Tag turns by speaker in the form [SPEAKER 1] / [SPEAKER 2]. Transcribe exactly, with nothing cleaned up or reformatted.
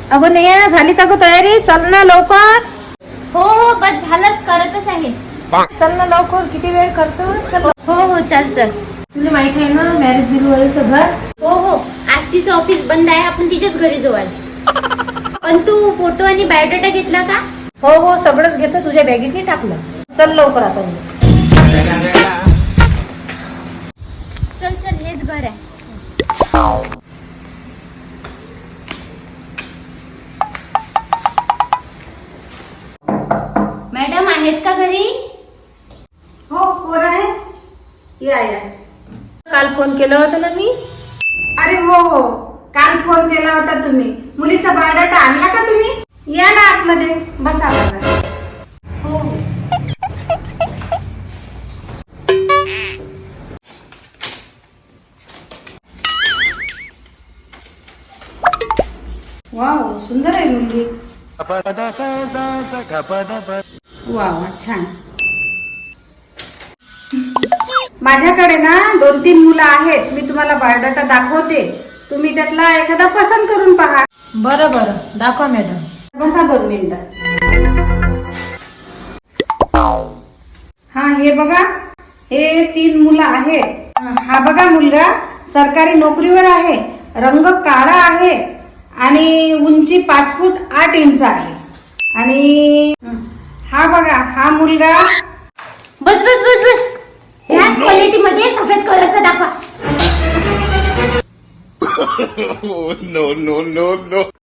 [SPEAKER 1] अगं नेहा झाली का ग तयारी? चल ना लवकर.
[SPEAKER 2] हो हो बस झालंच, करतच आहे.
[SPEAKER 1] चल ना लवकर, किती वेळ करतो. चल.
[SPEAKER 2] हो हो चल चल.
[SPEAKER 1] तुला माहित आहे ना मॅरेज ब्युरोचं घर?
[SPEAKER 2] हो हो आज तिचं ऑफिस बंद आहे, आपण तिच्याच घरी जाऊ आज. पण तू फोटो आणि बायोडाटा घेतला का?
[SPEAKER 1] हो हो सगळंच घेतो, तुझ्या बॅगेत टाकलं. चल लवकर आता.
[SPEAKER 2] चल चल हेच घर आहे. मॅडम आहेत का घरी?
[SPEAKER 3] हो कोण आहे? या या.
[SPEAKER 1] काल फोन केला होता ना मी.
[SPEAKER 3] अरे हो हो काल फोन केला होता तुम्ही. मुलीचा बायोडाटा आणला का तुम्ही? या ना आतमध्ये, बसा बसा.
[SPEAKER 2] हो हो.
[SPEAKER 3] वाव सुंदर आहे मुलगी. वाव छान. माझ्याकडे ना दोन तीन मुलं आहेत, मी तुम्हाला बायोडाटा दाखवते, तुम्ही त्यातला एखादा पसंत करून पहा.
[SPEAKER 1] बरं बरं दाखवा मॅडम.
[SPEAKER 3] बसा दोन मिनिटं. हा हे बघा, हे तीन मुलं आहेत. हा बघा मुलगा सरकारी नोकरीवर आहे, रंग काळा आहे आणि उंची पाच फूट आठ इंच आहे. आणि हा बघा हा मुलगा.
[SPEAKER 2] बस बस बस बस. ह्याच क्वालिटी मध्ये सफेद कलरचा दाखवा.
[SPEAKER 4] no, no, no, no.